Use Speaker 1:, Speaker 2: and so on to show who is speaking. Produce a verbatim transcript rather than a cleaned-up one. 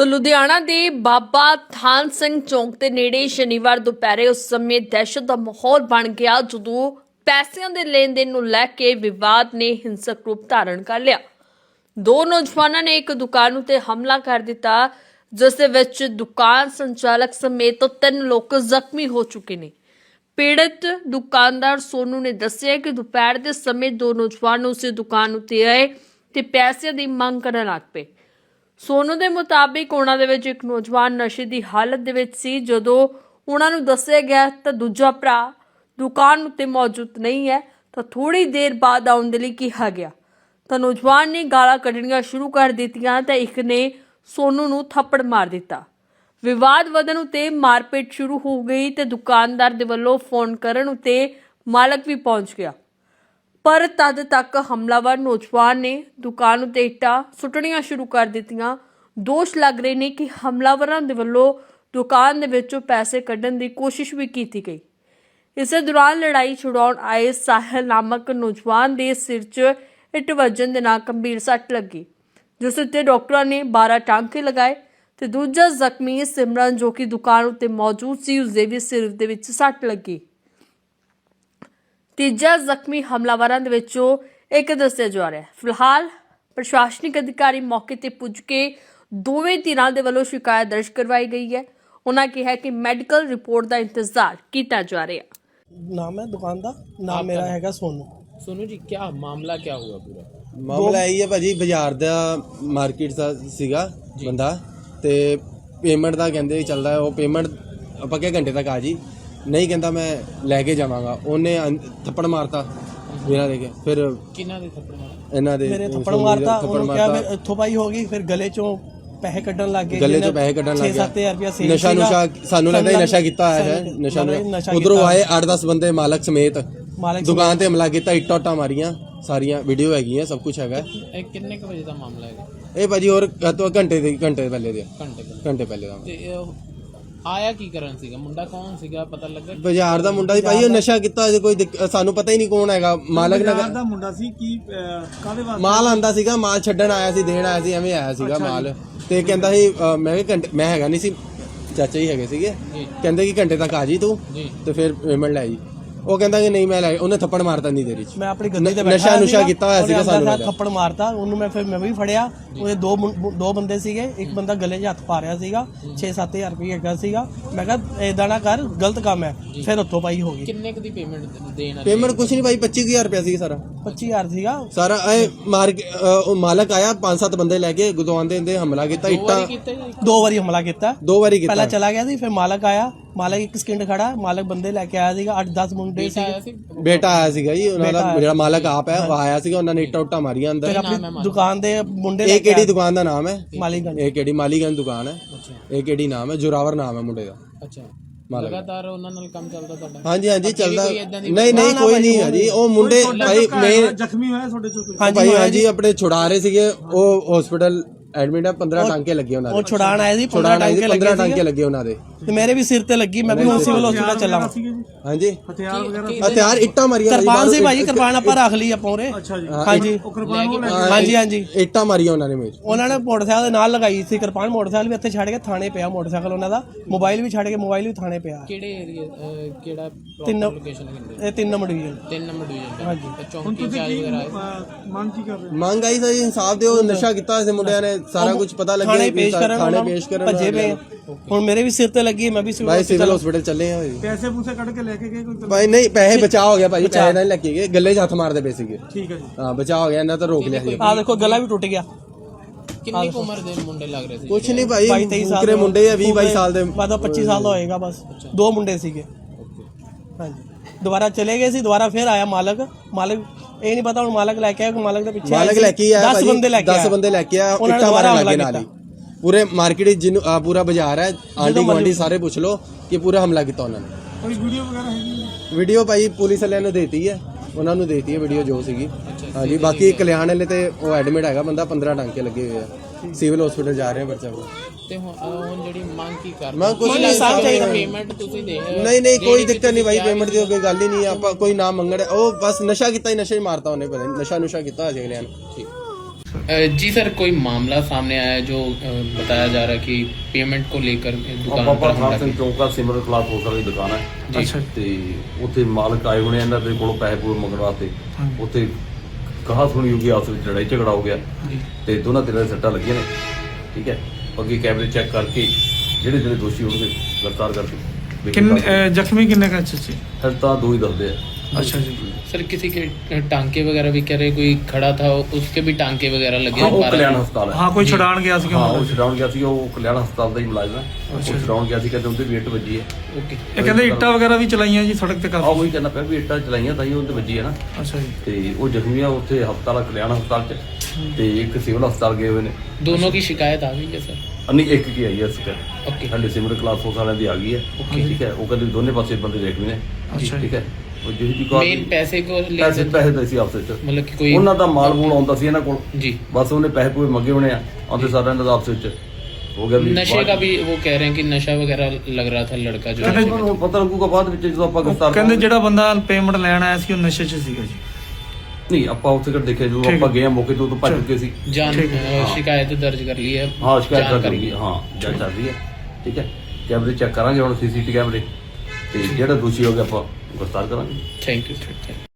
Speaker 1: तो लुधियाना के बाबा थान सिंह चौक के नेड़े शनिवार दोपहरे उस समय दहशत का माहौल बन गया जदों पैसों के लेन देन नूं लैके विवाद ने हिंसक रूप धारण कर लिया। दो नौजवानों ने एक दुकान उत्ते हमला कर दिता जिस दे विच दुकान संचालक समेत तीन लोग जख्मी हो चुके हैं। पीड़ित दुकानदार सोनू ने दस्सिया कि दोपहर के समय दो नौजवान उस दुकान उत्ते आए ते पैसे की मंग करन लग पे। सोनू के मुताबिक उन्हां दे विच एक नौजवान नशे की हालत दे विच सी। जदों उन्हां नूं दस्सिया गया तां दूजा भरा दुकान उत्ते मौजूद नहीं है तां थोड़ी देर बाद आउण दे लई कहा गया तां नौजवान ने गालां कढणियां शुरू कर दित्तियां तां एक ने सोनू नूं थप्पड़ मार दिता। विवाद वधण उत्ते मारपीट शुरू हो गई ते दुकानदार दे वल्लों फोन करन उत्ते मालक भी पहुंच गया, पर तद तक हमलावर नौजवान ने दुकान उत्ते इट्टां सुੱਟਣੀਆਂ शुरू कर दित्तियां। दोष लग रहे ने कि हमलावरां दे वल्लों दुकान दे विचों पैसे कढण दी कोशिश भी की गई। इस दौरान लड़ाई छुड़ाउण आए साहिल नामक नौजवान दे सिर च इट वजन दे नाल गंभीर सੱਟ लगी, जिस उत्ते डॉक्टरां ने बारह टांके लगाए ते दूजा जख्मी सिमरन जो कि दुकान उत्ते मौजूद सी उसदे भी सिर दे विच सੱਟ लगी। तीजा जख्मी हमलावरां दे विचों एक दस्सिया जा रहा है। फिलहाल प्रशासनिक अधिकारी मौके ते पुज के दोवें धिरां दे वल्लों शिकायत दर्ज करवाई गई है। उन्होंने कहा कि मैडिकल रिपोर्ट का इंतजार किया जा रहा है।
Speaker 2: नाम है दुकान का नाम मेरा हैगा सोनू।
Speaker 3: सोनू जी क्या मामला क्या हुआ पूरा?
Speaker 4: ਮਾਮਲਾ ਇਹ ਹੈ ਭਾਜੀ, ਬਾਜ਼ਾਰ ਦਾ ਮਾਰਕੀਟ ਦਾ ਸੀਗਾ ਬੰਦਾ ਤੇ ਪੇਮੈਂਟ ਦਾ ਕਹਿੰਦੇ ਚੱਲਦਾ, ਉਹ ਪੇਮੈਂਟ ਆਪਾਂ ਕਿਹਾ ਘੰਟੇ ਤੱਕ ਆ ਜੀ, ਨਹੀਂ ਕਹਿੰਦਾ ਮੈਂ ਲੈ ਕੇ ਜਾਵਾਂਗਾ। ਉਹਨੇ ਥੱਪੜ ਮਾਰਤਾ ਬਿਨਾਂ ਦੇ ਕੇ, ਫਿਰ
Speaker 3: ਕਿਹਨਾਂ ਦੇ ਥੱਪੜ ਮਾਰੇ?
Speaker 4: ਇਹਨਾਂ ਦੇ
Speaker 2: ਮੇਰੇ ਥੱਪੜ ਮਾਰਤਾ, ਉਹਨੂੰ ਕਿਹਾ ਫਿਰ ਇੱਥੋਂ ਪਾਈ ਹੋ ਗਈ, ਫਿਰ ਗਲੇ ਚੋਂ ਪੈਸੇ ਕੱਢਣ ਲੱਗ ਗਏ,
Speaker 4: ਗਲੇ ਚੋਂ ਪੈਸੇ ਕੱਢਣ ਲੱਗ
Speaker 2: ਛੇ ਸੱਤ ਹਜ਼ਾਰ ਰੁਪਇਆ ਸੀ।
Speaker 4: ਨਸ਼ਾ ਨੁਸ਼ਾ ਸਾਨੂੰ ਲੱਗਦਾ ਨਸ਼ਾ ਕੀਤਾ ਹੋਇਆ ਹੈ, ਨਸ਼ਾ ਉਧਰੋਂ ਆਏ ਅੱਠ ਦਸ ਬੰਦੇ ਮਾਲਕ ਸਮੇਤ
Speaker 2: ਮਾਲਕ
Speaker 4: ਦੁਕਾਨ ਤੇ ਹਮਲਾ ਕੀਤਾ, ਇੱਟਾਂ ਉੱਟਾਂ ਮਾਰੀਆਂ, ਸਾਰੀਆਂ ਵੀਡੀਓ ਹੈਗੀਆਂ, ਸਭ ਕੁਝ ਹੈਗਾ।
Speaker 3: ਇਹ ਕਿੰਨੇ ਕੁ ਵਜੇ ਦਾ ਮਾਮਲਾ ਹੈਗਾ?
Speaker 4: ਇਹ ਭਾਜੀ ਹੋਰ ਤੋਂ ਘੰਟੇ ਦੇ ਘੰਟੇ ਪਹਿਲੇ ਦੇ
Speaker 3: ਘੰਟੇ ਪਹਿਲੇ
Speaker 4: ਘੰਟੇ ਪਹਿਲੇ ਦਾ।
Speaker 3: ਤੇ ਇਹ ਆਇਆ ਕੀ ਕਰਨ ਸੀਗਾ? ਮੁੰਡਾ ਕੌਣ ਸੀਗਾ ਪਤਾ ਲੱਗਾ?
Speaker 4: ਬਾਜ਼ਾਰ ਦਾ ਮੁੰਡਾ ਸੀ ਭਾਈ, ਉਹ ਨਸ਼ਾ ਕੀਤਾ ਹੋਇਆ, ਕੋਈ ਦਿੱਕ- ਸਾਨੂੰ ਪਤਾ ਹੀ ਨਹੀਂ ਕੌਣ ਹੈਗਾ। ਮਾਲਕ
Speaker 5: ਬਾਜ਼ਾਰ ਦਾ ਮੁੰਡਾ ਸੀ ਕੀ ਕਾਹਦੇ ਵਾਸਤੇ
Speaker 4: ਮਾਲ ਆਂਦਾ ਸੀਗਾ, ਮਾਲ ਛੱਡਣ ਆਇਆ ਸੀ, ਦੇਣ ਆਇਆ ਸੀ, ਐਵੇਂ ਆਇਆ ਸੀਗਾ ਮਾਲ। ਤੇ ਕਹਿੰਦਾ ਸੀ ਅ, ਮੈਂ ਵੀ ਘੰਟੇ ਮੈਂ ਹੈਗਾ ਨਹੀਂ ਸੀ, ਚਾਚਾ ਹੀ ਹੈਗੇ ਸੀਗੇ, ਕਹਿੰਦੇ ਕਿ ਘੰਟੇ ਤੱਕ ਆ ਜੀ ਤੂੰ
Speaker 3: ਜੀ
Speaker 4: ਤੇ ਫਿਰ ਪੇਮੈਂਟ ਲੈ ਜੀ। ਉਹ ਕਹਿੰਦਾ ਕਿ ਨਹੀਂ ਮੈਂ ਲੈ, ਉਹਨੇ ਥੱਪੜ ਮਾਰਤਾ ਨਹੀਂ ਦੇਰੀ ਚ।
Speaker 2: ਮੈਂ ਆਪਣੀ ਗੱਡੀ ਤੇ ਬੈਠਾ
Speaker 4: ਨਸ਼ਾ ਨੁਸ਼ਾ ਕੀਤਾ ਹੋਇਆ ਸੀਗਾ, ਸਾਨੂੰ
Speaker 2: ਉਹਨੇ
Speaker 4: ਲੱਗਾ।
Speaker 2: ਥੱਪੜ ਮਾਰਤਾ ਉਹਨੂੰ, ਮੈਂ ਫਿਰ ਮੈਂ ਵੀ ਫੜਿਆ। ਉਹਦੇ ਦੋ ਮੁੰ- ਦੋ ਬੰਦੇ ਸੀਗੇ, ਇੱਕ ਬੰਦਾ ਗਲੇ 'ਚ ਹੱਥ ਪਾ ਰਿਹਾ ਸੀਗਾ, ਛੇ ਸੱਤ ਹਜ਼ਾਰ ਰੁਪਏ ਹੈਗਾ ਸੀਗਾ। ਮੈਂ ਕਿਹਾ ਏਦਾਂ ਨਾ ਕਰ, ਗਲਤ ਕੰਮ ਹੈ। ਫਿਰ ਉੱਥੋਂ ਪਾਈ ਹੋ ਗਈ।
Speaker 3: ਕਿੰਨੇ ਕੁ ਦੀ ਪੇਮੈਂਟ ਦੇਣ ਵਾਲੀ?
Speaker 4: ਪੇਮੈਂਟ ਕੁਛ ਨਹੀਂ ਭਾਈ, ਪੱਚੀ ਹਜ਼ਾਰ ਰੁਪਇਆ ਸੀ ਸਾਰਾ
Speaker 2: ਪੱਚੀ ਹਜ਼ਾਰ ਸੀਗਾ
Speaker 4: ਸਾਰਾ। ਇਹ ਮਾਰ ਕੇ ਅ, ਉਹ ਮਾਲਕ ਆਇਆ, ਪੰਜ ਸੱਤ ਬੰਦੇ ਲੈ ਕੇ ਗੁਦਵਾਨ ਦੇ ਹੁੰਦੇ ਹਮਲਾ ਕੀਤਾ, ਇੱਟਾਂ
Speaker 3: ਕੀਤੇ ਜਾਂ
Speaker 2: ਦੋ ਵਾਰੀ ਹਮਲਾ ਕੀਤਾ।
Speaker 4: ਦੋ ਵਾਰੀ ਕੀਤਾ।
Speaker 2: ਪਹਿਲਾਂ ਚਲਾ ਗਿਆ ਸੀ, ਫਿਰ ਮਾਲਕ ਆਇਆ, ਮਾਲਕ ਇੱਕ ਸਕਿੰਟ ਖੜਾ, ਮਾਲਕ ਬੰਦੇ ਲੈ ਕੇ ਆਇਆ ਸੀਗਾ, ਅੱਠ ਦਸ ਮੁੰਡੇ ਸੀ।
Speaker 3: ਆਇਆ ਸੀ?
Speaker 4: ਬੇਟਾ ਆਇਆ ਸੀਗਾ ਜੀ ਉਹਨਾਂ ਦਾ, ਜਿਹੜਾ ਮਾਲਕ ਆਪ ਹੈ ਉਹ ਆਇਆ ਸੀਗਾ, ਉਹਨਾਂ ਨੇ ਇੱਟਾਂ ਉੱਟਾਂ ਮਾਰੀਆਂ ਅੰਦਰ।
Speaker 2: ਫਿਰ ਆਪਣੀ ਦੁਕਾਨ ਦੇ ਮੁੰਡੇ
Speaker 4: ਇਹ ਕਿਹੜੀ ਦੁਕਾਨ ਦਾ ਨਾਮ ਹੈ?
Speaker 2: ਮਾਲੀਗੰਜ।
Speaker 4: ਇਹ ਕਿਹੜੀ ਮਾਲੀਗੰਜ ਦੁਕਾਨ ਹੈ?
Speaker 3: ਅੱਛਾ
Speaker 4: ਇਹ ਕਿਹੜੀ ਨਾਮ ਹੈ? ਜੋਰਾਵਰ ਨਾਮ ਹੈ ਮੁੰਡੇ ਦਾ।
Speaker 3: ਅੱਛਾ,
Speaker 4: ਮਾਲਕ।
Speaker 3: ਲਗਾਤਾਰ ਉਹਨਾਂ ਨਾਲ ਕੰਮ ਚੱਲਦਾ ਤੁਹਾਡਾ?
Speaker 4: ਹਾਂਜੀ ਹਾਂਜੀ ਚੱਲਦਾ।
Speaker 3: ਕੋਈ ਏਦਾਂ ਦੀ-
Speaker 4: ਨਹੀਂ ਨਹੀਂ ਕੋਈ ਨਹੀਂ ਹੈ ਜੀ। ਉਹ ਮੁੰਡੇ ਭਾਈ ਮੈਂ
Speaker 5: ਜ਼ਖਮੀ ਹੋਇਆ ਤੁਹਾਡੇ ਚੋਂ ਕੋਈ?
Speaker 4: ਭਾਈ ਹਾਂਜੀ ਆਪਣੇ ਛੁਡਾ ਰਹੇ ਸੀਗੇ, ਉਹ ਹਸਪੀਟਲ ਐਡਮਿਟ ਹੈ, ਪੰਦਰਾਂ ਟਾਂਕੇ ਲੱਗੇ ਉਹਨਾਂ ਦੇ।
Speaker 2: ਉਹ ਛੁਡਾਣ ਆਏ ਸੀ,
Speaker 4: ਛੁਡਾਣ ਆਏ ਸੀ,
Speaker 2: ਟਾਂਕੇ
Speaker 4: ਪੰਦਰਾਂ
Speaker 2: ਲੱਗੇ
Speaker 4: ਟਾਂਕੇ ਲੱਗੇ ਉਹਨਾਂ ਦੇ।
Speaker 2: ਤੇ ਮੇਰੇ ਵੀ ਸਿਰ ਤੇ ਲੱਗੀ, ਮੈਂ ਵੀ ਹੁਣ ਸਿਵਲ ਹਸਪੀਟਲ ਚੱਲਾ ਵਾਂ।
Speaker 4: ਹਾਂਜੀ
Speaker 5: ਹਥਿਆਰ ਵਗੈਰਾ?
Speaker 4: ਹਥਿਆਰ ਇੱਟਾਂ ਮਾਰੀਆਂ
Speaker 2: ਕਿਰਪਾਨ ਸੀ ਭਾਈ, ਕਿਰਪਾਨ ਆਪਾਂ ਰੱਖ ਲਈ ਆਪਾਂ ਉਰੇ।
Speaker 5: ਅੱਛਾ ਜੀ,
Speaker 2: ਹਾਂਜੀ
Speaker 5: ਉਹ ਕਿਰਪਾਨ ਉਹ ਲੈ ਕੇ
Speaker 2: ਹਾਂਜੀ ਹਾਂਜੀ
Speaker 4: ਇੱਟਾਂ ਮਾਰੀਆਂ ਉਹਨਾਂ ਨੇ ਮੇਰੇ।
Speaker 2: ਉਹਨਾਂ ਨੇ ਮੋਟਰਸਾਈਕਲ ਦੇ ਨਾਲ ਲਗਾਈ ਸੀ ਕਿਰਪਾਨ। ਮੋਟਰਸਾਈਕਲ ਵੀ ਇੱਥੇ ਛੱਡ ਕੇ ਥਾਣੇ ਪਿਆ, ਮੋਟਰਸਾਈਕਲ ਉਹਨਾਂ ਦਾ, ਮੋਬਾਈਲ ਵੀ ਛੱਡ ਕੇ ਮੋਬਾਈਲ ਵੀ ਥਾਣੇ ਪਿਆ।
Speaker 3: ਕਿਹੜੇ ਏਰੀਆ ਕਿਹੜਾ
Speaker 2: ਤਿੰਨ
Speaker 3: ਲੋਕੇਸ਼ਨ ਕਹਿੰਦੇ?
Speaker 2: ਇਹ ਤਿੰਨ ਨੰਬਰ ਡਿਵੀਜ਼ਨ।
Speaker 3: ਤਿੰਨ ਨੰਬਰ ਡਿਵੀਜ਼ਨ।
Speaker 2: ਹਾਂਜੀ।
Speaker 3: ਤੇ
Speaker 5: ਹੁਣ
Speaker 3: ਚੌਂਕੀ
Speaker 5: ਤੁਸੀਂ
Speaker 3: ਚਾਰਜ
Speaker 5: ਕੀ
Speaker 3: ਵਗੈਰਾ ਆਏ?
Speaker 5: ਅਹ, ਮੰਗ ਕੀ ਕਰ ਰਹੇ ਹੋ?
Speaker 4: ਮੰਗ ਆਈ ਸੀ ਇਨਸਾਫ ਦਿਓ, ਨਸ਼ਾ ਕੀਤਾ ਹੋਇਆ ਸੀ ਮੁੰਡਿਆਂ ਨੇ, ਸਾਰਾ ਕੁਝ ਪਤਾ ਲੱਗਿਆ।
Speaker 2: ਥਾਣੇ ਪੇਸ਼ ਕਰਨ,
Speaker 4: ਥਾਣੇ
Speaker 2: ਉਹਨਾਂ
Speaker 4: ਪੇਸ਼ ਕਰਨ
Speaker 2: ਭੱਜੇ ਪਏ। ਹੁਣ ਮੇਰੇ ਵੀ ਸਿਰ ਤੇ ਲੱਗੀ, ਮੈਂ ਵੀ
Speaker 4: ਭਾਈ
Speaker 2: ਸਿਵਲ
Speaker 4: ਸਿਵਲ ਹਸਪੀਟਲ ਚੱਲੇ ਆ।
Speaker 5: ਪੈਸੇ ਪੂਸੇ ਕੱਢ ਕੇ ਲੈ ਕੇ ਗਏ ਕੋਈ?
Speaker 4: ਭਾਈ ਨਹੀਂ ਪੈਸੇ ਬਚਾ ਹੋ ਗਿਆ ਭਾਈ, ਪੈਸੇ ਨਹੀਂ ਲੱਗੇ ਗਏ, ਗੱਲੇ 'ਚ ਹੱਥ ਮਾਰਦੇ ਪਏ ਸੀਗੇ।
Speaker 5: ਠੀਕ ਹੈ ਜੀ।
Speaker 4: ਹਾਂ ਬਚਾ ਹੋ ਗਿਆ, ਇਹਨਾਂ ਤਾਂ ਰੋਕ ਲਿਆ ਸੀ।
Speaker 2: ਆ ਦੇਖੋ ਗਲਾ ਵੀ ਟੁੱਟ ਗਿਆ।
Speaker 3: ਕਿੰਨੀ ਕੁ ਉਮਰ ਦੇ ਮੁੰਡੇ ਲੱਗ ਰਹੇ ਸੀ?
Speaker 4: ਕੁਛ ਨਹੀਂ ਭਾਈ,
Speaker 2: ਬਾਈ ਤੇਈ ਸਾਲ
Speaker 4: ਫੁਕਰੇ ਮੁੰਡੇ ਆ, ਵੀਹ ਬਾਈ ਸਾਲ ਦੇ।
Speaker 2: ਬਾਅਦ ਪੱਚੀ ਸਾਲ ਦਾ ਹੋਏਗਾ ਬਸ। ਦੋ ਮੁੰਡੇ ਸੀਗੇ। ਹਾਂਜੀ, ਦੁਬਾਰਾ ਚਲੇ ਗਏ ਸੀ, ਦੁਬਾਰਾ ਫਿਰ ਆਇਆ ਮਾਲਕ। ਮਾਲਕ ਇਹ ਨਹੀਂ ਪਤਾ ਹੁਣ ਮਾਲਕ ਲੈ ਕੇ ਆਇਆ ਕਿ ਮਾਲਕ ਦੇ ਪਿੱਛੇ
Speaker 4: ਮਾਲਕ ਲੈ ਕੇ ਆਇਆ
Speaker 2: ਦਸ ਬੰਦੇ ਲੈ ਕੇ ਆਇਆ।
Speaker 4: ਦਸ ਬੰਦੇ ਲੈ ਕੇ ਆਇਆ,
Speaker 2: ਉਹਨਾਂ ਨੇ
Speaker 4: ਇੱਟਾਂ
Speaker 2: ਦੁਬਾਰਾ
Speaker 4: ਮਾਰਨ ਲੱਗੇ
Speaker 2: ਹਮਲਾ
Speaker 4: ਨਾਲ ਹੀ। ਪੂਰੇ ਮਾਰਕੀਟ ਜਿਹਨੂੰ ਆਹ ਪੂਰਾ ਬਾਜ਼ਾਰ ਹੈ, ਆਂਟੀ ਗੁਆਂਢੀ ਸਾਰੇ ਪੁੱਛ ਲਓ ਕਿ ਪੂਰਾ ਹਮਲਾ ਕੀਤਾ ਉਹਨਾਂ ਨੇ।
Speaker 5: ਕੋਈ ਵੀਡੀਓ ਵਗੈਰਾ ਹੈਗੀ?
Speaker 4: ਵੀਡੀਓ ਭਾਈ ਪੁਲਿਸ ਵਾਲਿਆਂ ਨੂੰ ਦੇਤੀ ਹੈ, ਉਹਨਾਂ ਨੂੰ ਦੇਤੀ ਹੈ ਵੀਡੀਓ ਜੋ ਸੀਗੀ। ਹਾਂਜੀ ਬਾਕੀ ਕਲਿਆਣ ਵਾਲੇ ਤੇ ਉਹ ਐਡਮਿਟ ਹੈਗਾ ਬੰਦਾ, ਪੰਦਰਾਂ ਟਾਂਕੇ ਲੱਗੇ ਹੋਏ ਆ, ਸਿਵਲ ਹਸਪੀਟਲ ਜਾ ਰਹੇ ਆ ਬੱਚਾ ਕੋਲ।
Speaker 3: ਤੇ ਹੁਣ ਹੁਣ ਜਿਹੜੀ ਮੰਗ ਕੀ ਕਰ
Speaker 4: ਮੰਗ ਕੁਛ ਨਹੀਂ,
Speaker 2: ਸਾਫ਼ ਚਾਹੀਦਾ।
Speaker 3: ਪੇਮੈਂਟ ਤੁਸੀਂ ਦੇ
Speaker 4: ਨਹੀਂ ਨਹੀਂ ਕੋਈ ਦਿੱਕਤ ਨਹੀਂ ਭਾਈ, ਪੇਮੈਂਟ ਦੀ ਕੋਈ ਗੱਲ ਹੀ ਨਹੀਂ। ਆਪਾਂ ਕੋਈ ਨਾਮ ਮੰਗਣ, ਉਹ ਬਸ ਨਸ਼ਾ ਕੀਤਾ ਹੀ, ਨਸ਼ਾ ਹੀ ਮਾਰਤਾ ਉਹਨੇ, ਪਤਾ ਨਹੀਂ ਨਸ਼ਾ ਨੁਸ਼ਾ ਕੀਤਾ ਅਜੇ ਅਗਲਿਆਂ ਨੇ।
Speaker 3: ਠੀਕ। जी सर, कोई मामला सामने आया है जो अ, बताया जा रहा है कि पेमेंट को लेकर दुकान
Speaker 6: ਬਾਬਾ
Speaker 3: पर हमला
Speaker 6: ਖਾਨ ਸਿੰਘ
Speaker 3: किया।
Speaker 6: ਚੌਂਕਾ ਸਿਮਰਨ ਕਲਾਸ ਹੋਸਲ ਦੀ ਦੁਕਾਨ ਹੈ
Speaker 5: ਅੱਛਾ
Speaker 6: ਤੇ ਉੱਥੇ ਮਾਲਕ ਆਏ ਹੋਣੇ ਇਹਨਾਂ ਦੇ ਕੋਲੋਂ ਪੈਸੇ ਪੂਰੇ ਮੰਗਣ ਵਾਸਤੇ ਉੱਥੇ ਕਹਾ ਸੁਣੀ ਹੋਗੀ ਆਪਸ ਵਿੱਚ ਲੜਾਈ ਝਗੜਾ ਹੋ ਗਿਆ ਤੇ ਦੋਨਾਂ ਧਿਰਾਂ ਦੇ ਸੱਟਾਂ ਲੱਗੀਆਂ ਨੇ। ਠੀਕ ਹੈ, ਅੱਗੇ ਕੈਮਰੇ ਚੈੱਕ ਕਰਕੇ ਜਿਹੜੇ ਜਿਹੜੇ ਦੋਸ਼ੀ ਹੋਣਗੇ ਗ੍ਰਿਫਤਾਰ ਕਰਕੇ
Speaker 5: ਕਿੰਨੇ ਅਹ, ਜ਼ਖਮੀ ਕਿੰਨੇ ਕਾ ਅੱਛਾ ਜੀ
Speaker 6: ਫਿਰ ਤਾਂ ਦੋ ਹੀ ਦੱਸਦੇ ਆ।
Speaker 5: अच्छा जी
Speaker 3: सर किसी के टांके वगैरह भी कह रहे, कोई खड़ा था उसके भी टांके वगैरह लगे
Speaker 6: ਹਾਂ
Speaker 3: हैं,
Speaker 6: ਉਹ
Speaker 3: बारह-
Speaker 6: ਕਲਿਆਣ ਹਸਪਤਾਲ ਹੈ।
Speaker 5: हाँ कोई छुड़ान गया ਸੀ
Speaker 6: ਹਾਂ ਉਹ ਛਡਾਉਣ ਗਿਆ ਸੀ, ਉਹ ਕਲਿਆਣ ਹਸਪਤਾਲ ਦਾ ਹੀ ਮੁਲਾਜ਼ਮ ਹੈ। ਉਹ
Speaker 5: ਅੱਛਾ।
Speaker 6: ਛਡਾਉਣ ਗਿਆ ਸੀ, ਕਹਿੰਦੇ ਉਹਦੇ ਵੀ ਇੱਟ ਵੱਜੀ ਹੈ।
Speaker 3: ओके।
Speaker 5: ਇਹ ਕਹਿੰਦੇ ਇੱਟਾਂ ਵਗੈਰਾ ਵੀ ਚਲਾਈਆਂ ਜੀ ਸੜਕ ਤੇ
Speaker 6: ਆਹ
Speaker 5: ਕਾਫੀ
Speaker 6: ਉਹੀ ਕਹਿੰਦਾ ਪਿਆ ਵੀ ਇੱਟਾਂ ਚਲਾਈਆਂ ਤਾਂ ਹੀ ਉਹਦੇ ਵੱਜੀ ਹੈ ਨਾ।
Speaker 5: ਅੱਛਾ ਜੀ
Speaker 6: ਤੇ ਉਹ ਜ਼ਖਮੀ ਆ ਉੱਥੇ ਹਸਪਤਾਲ ਕਲਿਆਣ ਹਸਪਤਾਲ ਚ ਤੇ ਇੱਕ ਸਿਵਲ ਹਸਪਤਾਲ ਗਏ ਹੋਏ ਨੇ।
Speaker 3: दोनों की शिकायत आ गई है सर?
Speaker 6: ਨਹੀਂ ਇੱਕ ਕੀ ਆਈ ਹੈ ਸਕਰ
Speaker 3: ओके।
Speaker 6: ਸਾਡੇ ਸਿਮਰ ਕਲਾਸ ਫੋਰਸ ਵਾਲਿਆਂ ਦੀ ਆ ਗਈ ਹੈ। ਠੀਕ ਹੈ, ਉਹ ਕਹਿੰਦੇ ਵੀ ਦੋਨੇ ਪਾਸੇ ਬੰਦੇ ਜ਼ਖਮੀ ਨੇ।
Speaker 5: ਅੱਛਾ
Speaker 6: ਠੀਕ
Speaker 5: ਜੀ
Speaker 6: ਹੈ, ਉਹ ਜਿਹੀ ਦੀ ਕਾਲ
Speaker 3: मेन पैसे को
Speaker 6: ਪੈਸੇ
Speaker 3: लेकर
Speaker 6: ਪੈਸੇ ਦਾ ਸੀ ਆਪਸ ਵਿੱਚ
Speaker 3: मतलब कि कोई
Speaker 6: ਉਹਨਾਂ ਦਾ ਮਾਲ ਮੂਲ ਆਉਂਦਾ ਸੀ ਇਹਨਾਂ ਕੋਲ,
Speaker 3: जी
Speaker 6: ਬਸ ਉਹਨੇ ਪੈਸੇ ਪੂਰੇ ਮੰਗੇ ਹੋਣੇ ਆ, ਆਉਂਦੇ ਸਾਰਿਆਂ ਦਾ ਆਪਸ ਵਿੱਚ ਹੋ ਗਿਆ ਵੀ
Speaker 3: नशे का भी वो कह रहे हैं कि नशा वगैरह लग रहा था लड़का जो
Speaker 6: ਉਹਨਾਂ ਨੂੰ ਪਤਾ ਲੱਗੂਗਾ ਬਾਅਦ ਵਿੱਚ ਜਦੋਂ ਆਪਾਂ
Speaker 5: ਉਹ
Speaker 6: ਗ੍ਰਿਫਤਾਰ
Speaker 5: ਕਹਿੰਦੇ
Speaker 6: ਕਰਾਂਗੇ।
Speaker 5: ਜਿਹੜਾ ਬੰਦਾ ਪੇਮੈਂਟ ਲੈਣ ਆਇਆ ਸੀ ਉਹ ਨਸ਼ੇ 'ਚ ਸੀਗਾ ਜੀ
Speaker 6: ਨਹੀਂ ਆਪਾਂ ਉੱਥੇ ਕਰ ਦੇਖਿਆ ਜਦੋਂ
Speaker 5: ਠੀਕ
Speaker 6: ਆਪਾਂ
Speaker 5: ਹੈ।
Speaker 6: ਗਏ ਆ ਮੌਕੇ ਤੋਂ ਤਾਂ ਭੱਜ
Speaker 5: ਚਲੋ।
Speaker 6: ਚੁੱਕੇ ਸੀ।
Speaker 3: जान
Speaker 5: ठीक है।
Speaker 3: अ, शिकायत दर्ज कर ली है।
Speaker 6: ਹਾਂ ਸ਼ਿਕਾਇਤ
Speaker 3: जान
Speaker 6: ਕਰ
Speaker 3: करेंगे।
Speaker 6: ਲਈ ਹਾਂ ਜਾਂਚ ਚੱਲ ਰਹੀ ਹੈ। ਠੀਕ ਹੈ, ਕੈਮਰੇ ਚੈੱਕ ਕਰਾਂਗੇ ਹੁਣ ਸੀਸੀਟੀ ਕੈਮਰੇ ਤੇ ਜਿਹੜਾ ਦੋਸ਼ੀ ਹੋ ਗਿਆ ਆਪਾਂ ਗ੍ਰਿਫਤਾਰ ਕਰਾਂਗੇ।
Speaker 3: Thank you sir.